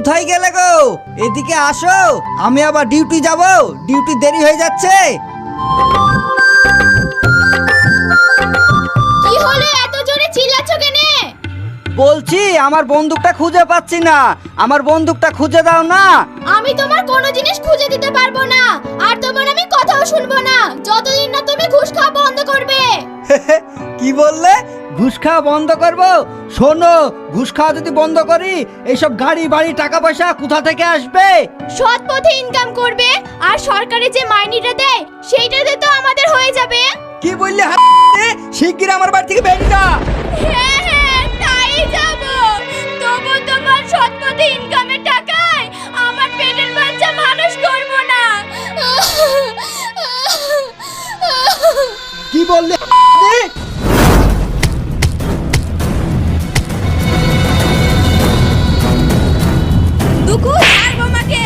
কোথায় গেলে গো? এদিকে আসো, আমি আবার ডিউটি যাব, ডিউটি দেরি হয়ে যাচ্ছে। কি হলো, এত জোরে চিল্লাচ্ছ কেন? বলছি আমার বন্দুকটা খুঁজে পাচ্ছি না, আমার বন্দুকটা খুঁজে দাও না। আমি তোমার কোনো জিনিস খুঁজে দিতে পারবো না, আর তোমার আমি কথাও শুনবো না যতদিন না তুমি ঘুষ খাওয়া বন্ধ করবে। কি বললে? ঘুষ খাওয়া বন্ধ করবো? শোনো, ঘুষ খাওয়া যদি বন্ধ করি, এইসব গাড়ি বাড়ি টাকা পয়সা কোথা থেকে আসবে? সৎ পথে ইনকাম করবে, আর সরকারে যে মাইনেটা দেয় সেইটাতে তো আমাদের হয়ে যাবে। কি বললে? শিগগির আমার বাড়ি থেকে বেরিয়ে যা। হ্যাঁ হ্যাঁ, তাই যাব। তবু তোমার সৎ পথে ইনকামের টাকায় আমার পেটের বাচ্চা মানুষ করব না। কি বললে? দুঃখু, ছাড়বো আমাকে।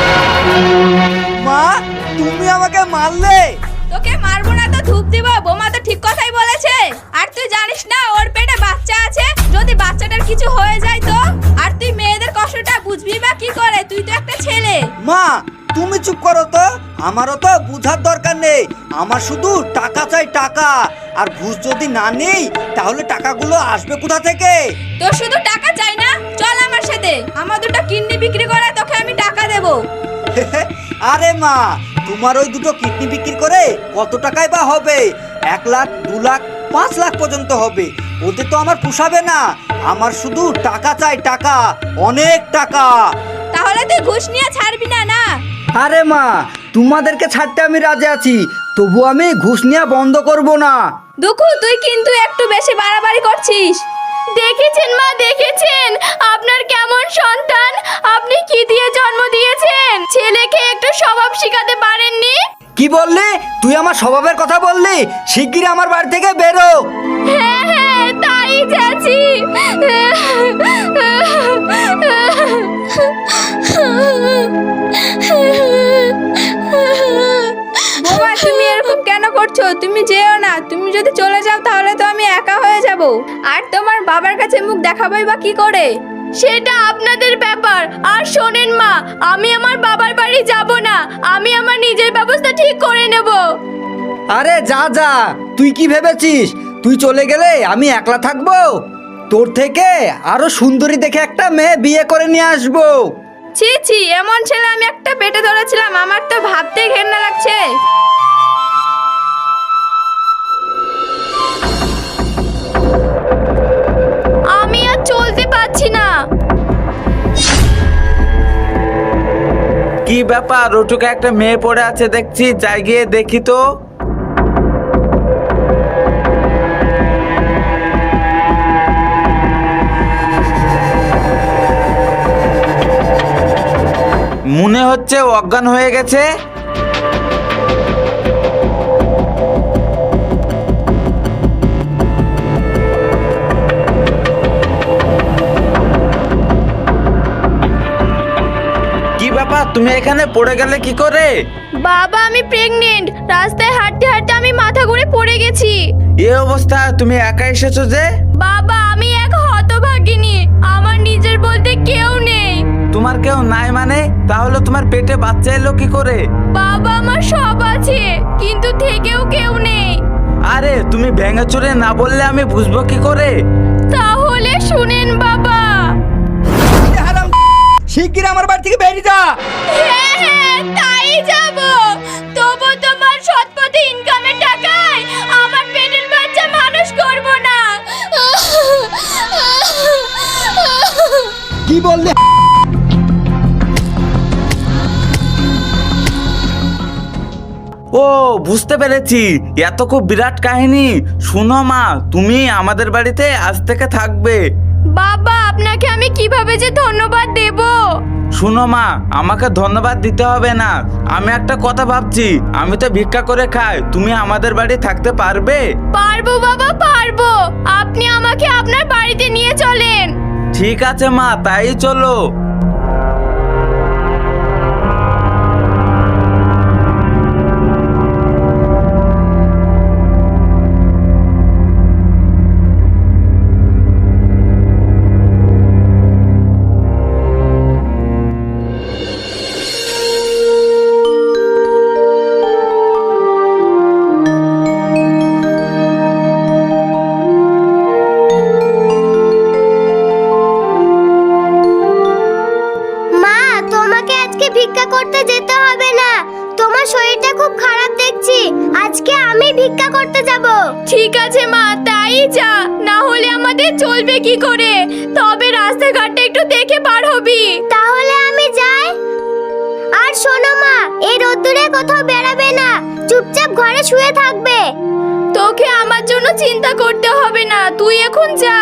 মা, তুমি আমাকে মারলে? তোকে মারবো না তো ধূপ দিব? বোমা তো ঠিক কথাই বলেছে। আর তুই জানিস না ওর পেটে বাচ্চা আছে? যদি বাচ্চাটার কিছু হয়ে যায় তো? আর তুই মেয়েদের কষ্টটা বুঝবি বা কি করে? তুই তো একটা ছেলে। মা, তুমি চুপ করো তো, আমারও তো বুঝার দরকার নেই। আমার শুধু টাকা চাই, টাকা। আর ঘুষ যদি না নেই তাহলে টাকাগুলো আসবে কোথা থেকে? তোর শুধু টাকা চাই না? চল আমার সাথে, আমার দুটো কিডনি বিক্রি করে তোকে আমি টাকা দেবো। আরে মা, তোমার ওই দুটো কিডনি বিক্রি করে কত টাকায় বা হবে? 1 লাখ, 2 লাখ, 5 লাখ পর্যন্ত হবে। ওতে তো আমার পোষাবে না। আমার শুধু টাকা চাই, টাকা, অনেক টাকা। তাহলে তুই ঘুষ নিয়ে ছাড়বি না? না আরে মা, তোমাদেরকে ছাড়তে আমি রাজি আছি, তবু আমি ঘুষ নেওয়া বন্ধ করব না। দুঃখু, তুই কিন্তু একটু বেশি বাড়াবাড়ি করছিস। দেখেছেন মা, দেখেছেন আপনার কেমন সন্তান? আপনি কি দিয়ে জন্ম দিয়েছেন? ছেলেকে একটু স্বভাব শিখাতে পারেননি? কি বললি? তুই আমার স্বভাবের কথা বললি? শিগগিরই আমার বাড়ি থেকে বেরো। হ্যাঁ হ্যাঁ, তাই যাচ্ছি। বোমা, তুমি এরকম কেন করছো? তুমি যেও না। তুমি যদি চলে যাও তাহলে তো আমি একা হয়ে যাব, আর তোমার বাবার কাছে মুখ দেখাবোই বা কি করে? সেটা আপনাদের ব্যাপার। আর শোনেন মা, আমি আমার বাবার বাড়ি যাব না, আমি আমার নিজের ব্যবস্থা ঠিক করে নেব। আরে যা যা, তুই কি ভেবেছিস তুই চলে গেলে আমি একলা থাকবো? তোর থেকে আরো সুন্দরী দেখে একটা মেয়ে বিয়ে করে নিয়ে আসবো। ছি ছি, এমন ছেলে আমি একটা পেটে ধরেছিলাম, আমার তো ভাবতেই ঘেন্না লাগছে। আমি আর চলতে পারছি না। কি ব্যাপার? ওটুকে একটা মেয়ে পড়ে আছে দেখছি, যাই গিয়ে দেখি তো। মনে হচ্ছে অজ্ঞান হয়ে গেছে। কি ব্যাপার, তুমি এখানে পড়ে গেলে কি করে? বাবা, আমি প্রেগনেন্ট। রাস্তায় হাঁটতে হাঁটতে আমি মাথা ঘুরে পড়ে গেছি। এই অবস্থা তুমি একা এসেছো যে? বাবা, আমি এক হতভাগিনী, আমার নিজের বলতে কেউ নেই। তোমার কেউ নাই মানে? তাহলে তোমার পেটে বাচ্চা এলো কি করে? বাবা, আমার সব আছে, কিন্তু থেকেও কেউ নেই। আরে তুমি ভেঙে চুরে না বললে আমি বুঝবো কি করে? তাহলে শুনেন বাবা। শিগগির আমার বাড়ি থেকে বেরিয়ে যা। হ্যাঁ হ্যাঁ, তাই যাব। তবু তোমার সৎ পথে ইনকামের টাকায় আমার পেটের বাচ্চা মানুষ করব না। কি বললে? ও, বুঝতে পেরেছি, এত খুব বিরাট কাহিনী। শুনো মা, তুমি আমাদের বাড়িতে আজ থেকে থাকবে। বাবা, আপনাকে আমি কিভাবে যে ধন্যবাদ দেব? শুনো মা, আমাকে ধন্যবাদ দিতে হবে না। আমি একটা কথা ভাবছি, আমি তো ভিক্ষা করে খাই, তুমি আমাদের বাড়ি থাকতে পারবে? পারবো বাবা, পারবো। আপনি আমাকে আপনার বাড়িতে নিয়ে চলেন। ঠিক আছে মা, তাই চলো। খুব খারাপ দেখছি, আজকে আমি ভিক্ষা করতে যাব। ঠিক আছে মা, তাই যা, না হলে আমাদের চলবে কি করে? তবে রাস্তাঘাটটা একটু দেখে পার হবি। তাহলে আমি যাই। আর শোনো মা, এই রোদ্দুরে কোথাও বেরাবে না, চুপচাপ ঘরে শুয়ে থাকবে। তোকে আমার জন্য চিন্তা করতে হবে না, তুই এখন যা।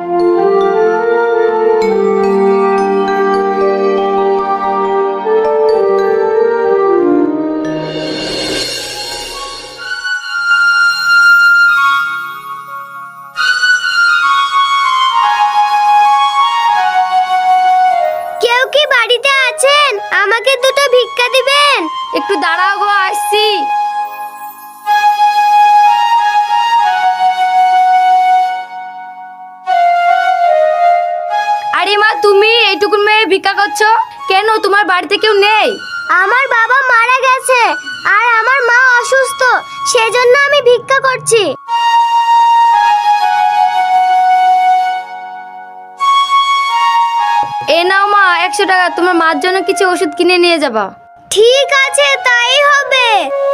কেউ কি বাড়িতে আছেন? আমাকে দুটো ভিক্ষা দিবেন। একটু দাঁড়াও গো, আসছি। আরে মা, তুমি এইটুকুন মেয়ে ভিক্ষা করছো কেন? তোমার বাড়িতে কেউ নেই? আমার বাবা মারা গেছে আর আমার মা অসুস্থ, সেজন্য আমি ভিক্ষা করছি। এ নাও মা 100 টাকা, তোমার মার জন্য কিছু ওষুধ কিনে নিয়ে যাবা। ঠিক আছে, তাই হবে।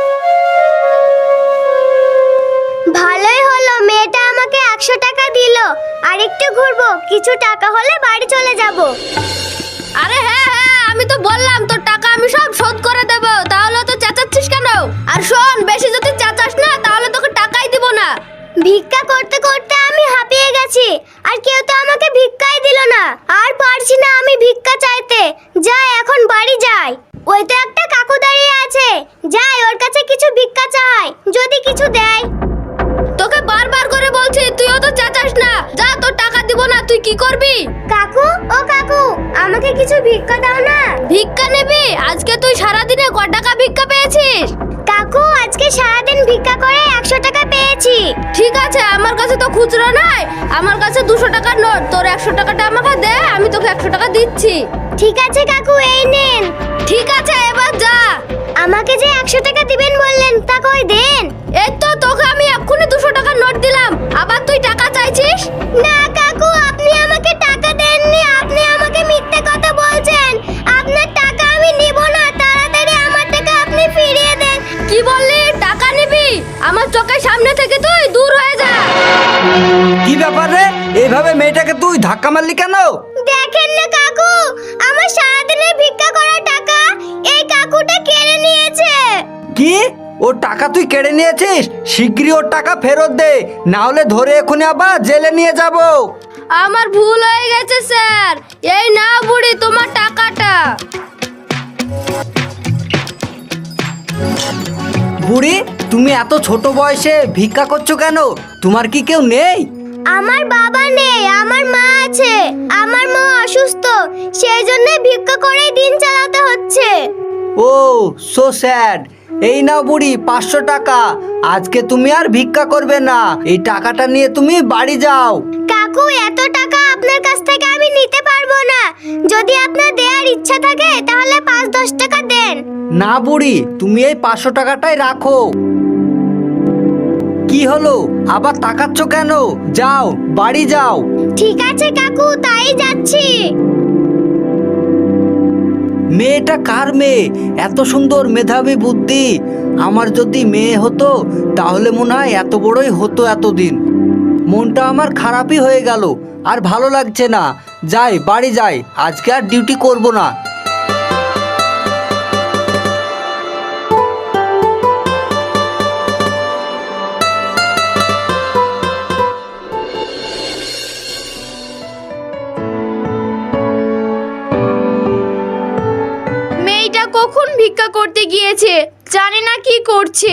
ভালোই হলো, মেয়েটা আমাকে 100 টাকা দিল। আর একটু ঘুরবো, কিছু টাকা হলে বাড়ি চলে যাব। আরে হ্যাঁ হ্যাঁ, আমি তো বললাম তোর টাকা আমি সব শোধ করে দেব, তাহলে তো চেঁচাচ্ছিস কেন? আর শোন, বেশি যদি চেঁচাস না তাহলে তোকে টাকাই দিব না। ভিক্ষা করতে করতে আমি হাঁপিয়ে গেছি, আর কেউ তো আমাকে ভিক্ষাই দিল না। আর পারছি না আমি ভিক্ষা চাইতে। যাই, এখন বাড়ি যাই। ওই তো একটা কাকু দাঁড়িয়ে আছে, যাই ওর কাছে কিছু ভিক্ষা চাই, যদি কিছু দেয়। তোকে বারবার করে বলছি, তুইও তো চেঁচাস না। যা, তোর টাকা দিব না, তুই কি করবি? কাকু, ও কাকু, আমাকে কিছু ভিক্ষা দাও না। ভিক্ষা নেবি? আজকে তুই সারাদিনে ক টাকা ভিক্ষা পেয়েছিস? কাকু, আজকে সারাদিন ভিক্ষা করে 100 টাকা পেয়েছি। ঠিক আছে, আমার কাছে তো খুচরো নাই, আমার কাছে 200 টাকার নোট। তোর 100 টাকাটা আমাকে দে, আমি তোকে 100 টাকা দিচ্ছি। ঠিক আছে কাকু, এই নেন। ঠিক আছে, এবার যা। আমাকে যে 100 টাকা দিবেন বললেন, তা কই দেন? এই তো তোকে আমি এক্ষুনি 200 টাকার নোট দিলাম, আবার তুই টাকা চাইছিস? না কাকু, আপনি আমাকে টাকা দেননি, আপনি আমাকে মিথ্যে কথা বলছেন। আপনার টাকা আমি নিব না, তাড়াতাড়ি আমার টাকা আপনি ফিরিয়ে দেন। কি বললি? টাকা নিবি? আমার চোখের সামনে থেকে তুই দূর হয়ে যা। কি ব্যাপার রে, এইভাবে মেয়েটাকে তুই ধাক্কা মারলি কেন? দেখেন না কাকু, আমার সারাদিনের ভিক্ষা করা টাকা এই কাকুটা কেড়ে নিয়েছে। কি? ওর টাকা তুই কেড়ে নিয়েছিস? শিগগিরই ওর টাকা ফেরত দে, না হলে ধরে এখনই আবার জেলে নিয়ে যাব। আমার ভুল হয়ে গেছে স্যার, এই না বুড়ি তোমার টাকাটা। বুড়ি, তুমি এত ছোট বয়সে ভিক্ষা করছো কেন? তোমার কি কেউ নেই? আমার বাবা নেই, আমার মা আছে। আমার মা অসুস্থ, সেই জন্য ভিক্ষা করে দিন চালাতে হচ্ছে। Oh so sad. এই নাও বুড়ি 500 টাকা, আজকে তুমি আর ভিক্ষা করবে না। এই টাকাটা নিয়ে তুমি বাড়ি যাও। কাকু, এত টাকা আপনার কাছ থেকে আমি নিতে পারবো না। যদি আপনার দেওয়ার ইচ্ছা থাকে তাহলে 5-10 টাকা দেন। না বুড়ি, তুমি এই 500 টাকাটাই রাখো। কি হলো, আবার তাকাচ্ছ কেন? যাও, বাড়ি যাও। ঠিক আছে কাকু, তাই যাচ্ছি। মেয়েটা কার মেয়ে? এত সুন্দর, মেধাবী, বুদ্ধি। আমার যদি মেয়ে হতো তাহলে মনে হয় এত বড়ই হতো এতদিন। মনটা আমার খারাপই হয়ে গেল, আর ভালো লাগছে না। যাই, বাড়ি যাই, আজকে আর ডিউটি করব না। মেয়েটা কখন ভিক্ষা করতে গিয়েছে, জানি না কি করছে।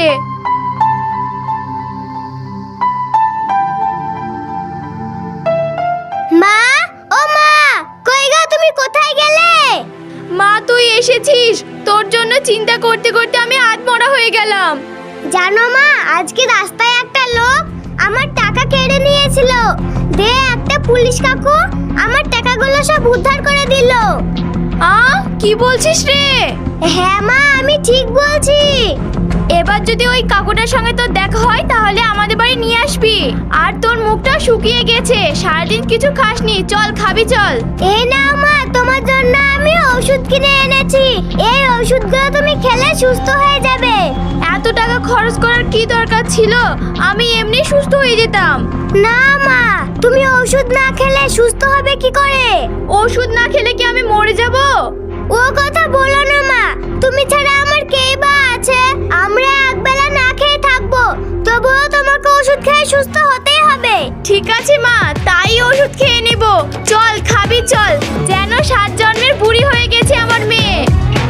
মা, ও মা, কই গো, তুমি কোথায় গেলে? মা, তুই এসেছিস, তোর জন্য চিন্তা করতে করতে আমি আধমরা হয়ে গেলাম। জানো মা, আজকে রাস্তায় একটা লোক আমার টাকা কেড়ে নিয়েছিল। দে একটা পুলিশ কাকু আমার টাকাগুলো সব উদ্ধার করে দিল। কি বলছিস রে? হ্যাঁ মা, আমি ঠিক বলছি। এবার যদি ওই কাকুটার সঙ্গে তোর দেখা হয় তাহলে আমাদের বাড়ি নিয়ে আসবি। আর তোর মুখটা শুকিয়ে গেছে, সারাদিন কিছু খাসনি, চল খাবি চল। এই নাও মা, তোমার জন্য আমি ওষুধ কিনে এনেছি। এই ওষুধগুলো তুমি খেলে সুস্থ হয়ে যাবে। টাকা খরচ করার কি দরকার ছিল? আমি এমনি সুস্থ হয়ে যেতাম। না মা, তুমি ওষুধ না খেলে সুস্থ হবে কি করে? ওষুধ না খেলে কি আমি মরে যাব? ও কথা বলো না মা, তুমি ছাড়া আমার কে বা আছে? আমরা একবেলা না খেয়ে থাকবো, তবুও তোমাকে ওষুধ খেয়ে সুস্থ হতেই হবে। ঠিক আছে মা, তাই ওষুধ খেয়ে নিব। চল খাবি চল, যেন 7 জন্মের বুড়ি হয়ে গেছে আমার মেয়ে।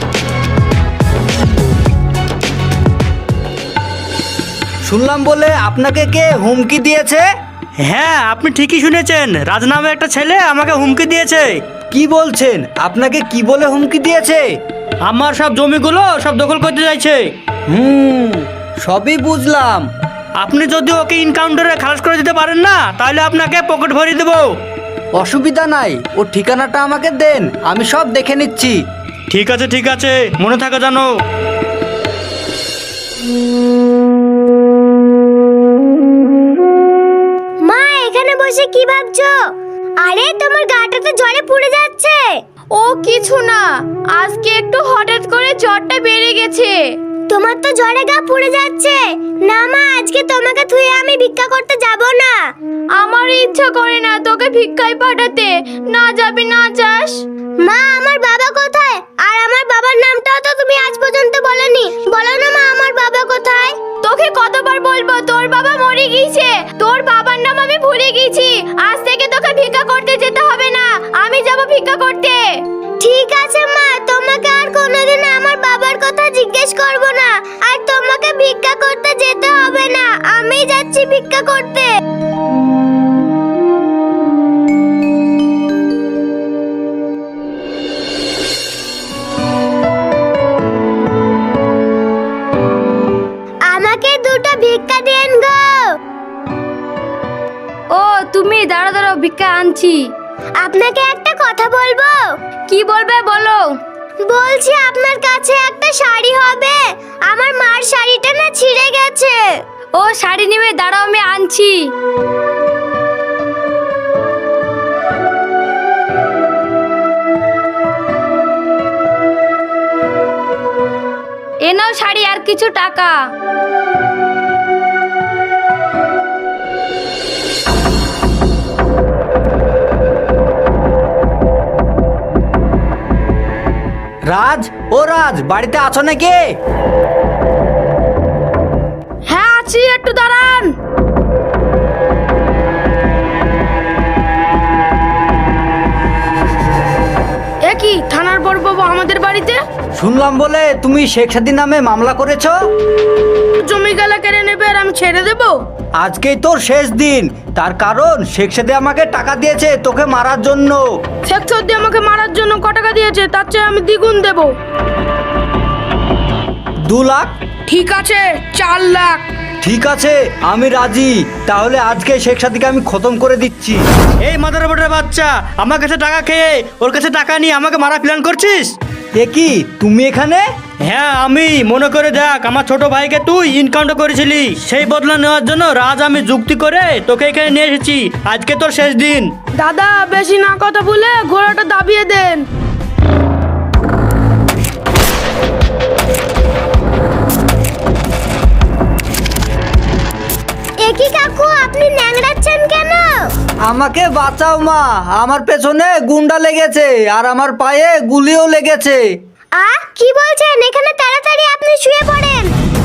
শুনলাম বলে আপনাকে কে হুমকি দিয়েছে? হ্যাঁ, আপনি ঠিকই শুনেছেন। রাজ নামে একটা ছেলে আমাকে হুমকি দিয়েছে। কি বলছেন? আপনাকে কি বলে হুমকি দিয়েছে? আমার সব জমিগুলো সব দখল করতে চাইছে। সবই বুঝলাম। আপনি যদি ওকে ইনকাউন্টারে খালাস করে দিতে পারেন না, তাহলে আপনাকে পকেট ভরিয়ে দেবো। অসুবিধা নাই, ওর ঠিকানাটা আমাকে দেন, আমি সব দেখে নিচ্ছি। ঠিক আছে ঠিক আছে, মনে থাকে জানো। মা, এখানে বসে কি ভাবছো? আরে তোমার গাটা তো জ্বরে পুড়ে যাচ্ছে। ও কিছু না, আজকে একটু হঠাৎ করে জ্বরটা বেড়ে গেছে। তোমার তো জ্বরে গা পুড়ে যাচ্ছে। না মা, আজকে তোমাকে থুয়ে আমি ভিক্ষা করতে যাব না। আমার ইচ্ছা করে না তোকে ভিক্ষায় পাঠাতে। না যাবি না যাস? মা, আমার বাবা কোথায়? আর আমার বাবার নামটাও তো তুমি আজ পর্যন্ত বলনি। বলো না মা, আমার বাবা কোথায়? তোকে কতবার বলবো তোর বাবা মরে গিয়েছে। তোর বাবার নাম আমি ভুলে গেছি। আজ থেকে তোকে ভিক্ষা করতে যেতে হবে না, আমি যাব ভিক্ষা করতে। ঠিক আছে মা, তোমাকে আর কোনোদিন আমার বাবার কথা জিজ্ঞেস করব না। আর তোমাকে ভিক্ষা করতে যেতে হবে না, আমি যাচ্ছি ভিক্ষা করতে। আমাকে দুটো ভিক্ষা দেন গো। ও তুমি দাঁড়া দাঁড়াও, ভিক্ষা আনছি। আপনাকে একটা কথা বলবো। কি বলবে বলো। বলছি আপনার কাছে একটা শাড়ি হবে? আমার মার শাড়িটা না ছিঁড়ে গেছে। ও শাড়ি নিবে, দাঁড়াও আমি আনছি। এ নাও শাড়ি আর কিছু টাকা। রাজ, ও রাজ, বাড়িতে আছো নাকি? হ্যাঁ আছি, একটু দাঁড়ান। এ কি, থানার বড় বাবু আমাদের বাড়িতে? শুনলাম বলে তুমি শেখ সাদী নামে মামলা করেছো। জমি গেলা কেড়ে নেবে আর আমি ছেড়ে দেব? আজকেই তোর শেষ দিন, তার কারণ শেখ সাদী আমাকে টাকা দিয়েছে তোকে মারার জন্য। শেখ সর্দি আমাকে মারার জন্য ক টাকা দিয়েছে? তার চেয়ে আমি দ্বিগুণ দেব। 2 লাখ? ঠিক আছে, 4 লাখ। ঠিক আছে, আমি রাজি। তাহলে আজকে শেখ সাদীকে আমি খতম করে দিচ্ছি। এই মাদার বোর্ডের বাচ্চা, আমার কাছে টাকা খেয়ে ওর কাছে টাকা নিয়ে আমাকে মারা প্ল্যান করছিস? এ কি, তুমি এখানে? হ্যাঁ আমি। মনে করে দেখ, আমার ছোট ভাইকে তুই ইনকাউন্টার করেছিলি, সেই বদলা নেওয়ার জন্য রাজ আমি যুক্তি করে তোকে এখানে নিয়ে এসেছি। আজকে তোর শেষ দিন। দাদা বেশি না কথা বলে ঘোড়াটা দাবিয়ে দেন। একই কাকু, আপনি ন্যাংড়াচ্ছেন কেন? আমাকে বাঁচাও মা, আমার পেছনে গুন্ডা লেগেছে আর আমার পায়ে গুলিও লেগেছে। কি বলছেন? এখানে তাড়াতাড়ি আপনি শুয়ে পড়েন।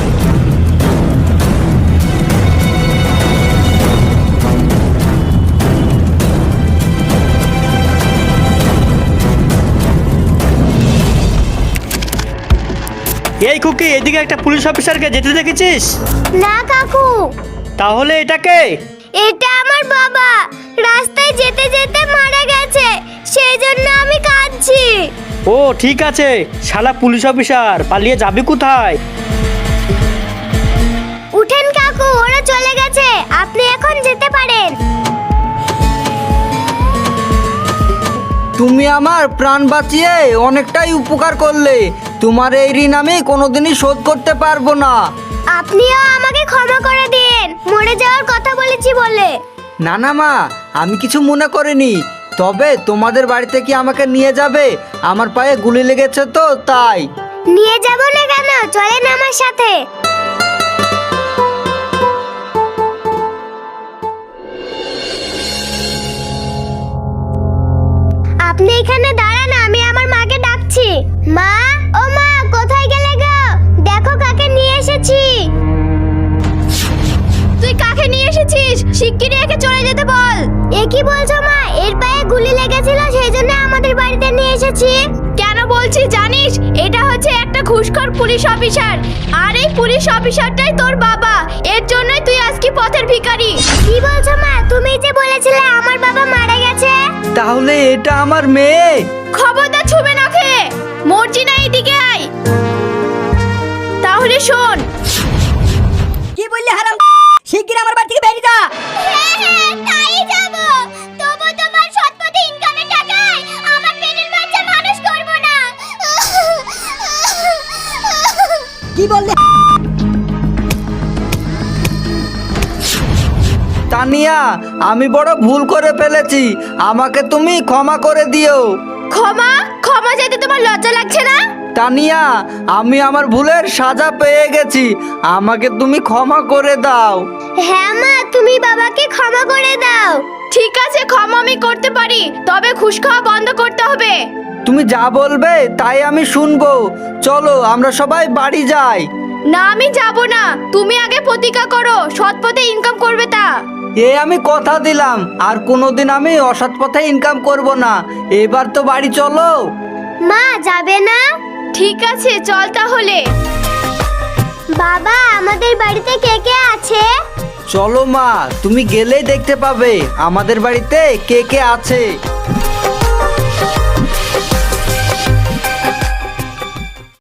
এই খুকি, এদিকে একটা পুলিশ অফিসারকে যেতে দেখেছিস? না কাকু। তাহলে এটাকে? এটা আমার বাবা, রাস্তায় যেতে যেতে মারা গেছে, সেই জন্য আমি কাঁদছি। ও ঠিক আছে, শালা পুলিশ অফিসার, পালিয়ে যাবি কোথায়? উঠেন কাকু, ওরা চলে গেছে, আপনি এখন যেতে পারেন। তুমি আমার প্রাণ বাঁচিয়ে অনেকটাই উপকার করলে। তোমার এই ঋণ আমি কোনোদিনই শোধ করতে পারবো না। আপনিও আমাকে ক্ষমা করে দিন, মরে যাওয়ার কথা বলেছি বলে। না না মা, আমি কিছু মনে করিনি। তবে তোমাদের বাড়িতে কি আমাকে নিয়ে যাবে? আমার পায়ে গুলি লেগেছে তো তাই। নিয়ে যাব না কেন, চলেন আমার সাথে। শিগগিরই একে চলে যেতে বল। এ কি বলছো মা? এর পায়ে গুলি লেগেছিল, সেই জন্য আমাদের বাড়িতে নিয়ে এসেছি। কেন বলছি জানিস? এটা হচ্ছে একটা ঘুষখোর পুলিশ অফিসার, আর এই পুলিশ অফিসারটাই তোর বাবা। এর জন্যই তুই আজকে পথের ভিখারি। কি বলছো মা? তুমি যে বলেছিলে আমার বাবা মারা গেছে। তাহলে এটা আমার মেয়ে? খবরদার ছুবে না খেয়ে, মরজি না, এদিকে আয়। তাহলে শোন, কি বললি হারাম? শিগগির আমার বাড়ি থেকে বেরিয়ে যা। হ্যাঁ, তাই যাব। তবু তোমার সৎপথে ইনকামের টাকায় আমার পেটের বাচ্চা মানুষ করব না। কি বললি? তানিয়া, আমি বড় ভুল করে ফেলেছি, আমাকে তুমি ক্ষমা করে দিও। ক্ষমা ক্ষমা চাইতে তোমার লজ্জা লাগছে না? তানিয়া, আমি আমার ভুলের সাজা পেয়ে গেছি, আমাকে তুমি ক্ষমা করে দাও। হ্যাঁ মা, তুমি বাবাকে ক্ষমা করে দাও। ঠিক আছে, ক্ষমা আমি করতে পারি, তবে ঘুষ খাওয়া বন্ধ করতে হবে। তুমি যা বলবে তাই আমি শুনবো। চলো আমরা সবাই বাড়ি যাই। না, আমি যাব না। তুমি আগে প্রতিজ্ঞা করো সৎ পথে ইনকাম করবে তা। আমি কথা দিলাম আর কোনোদিন আমি অসৎ পথে ইনকাম করব না। এবার তো বাড়ি চলো। মা, যাবে না? ঠিক আছে, চল তাহলে। বাবা, আমাদের বাড়িতে কে কে আছে? চলো মা, তুমি গেলেই দেখতে পাবে আমাদের বাড়িতে কে কে আছে।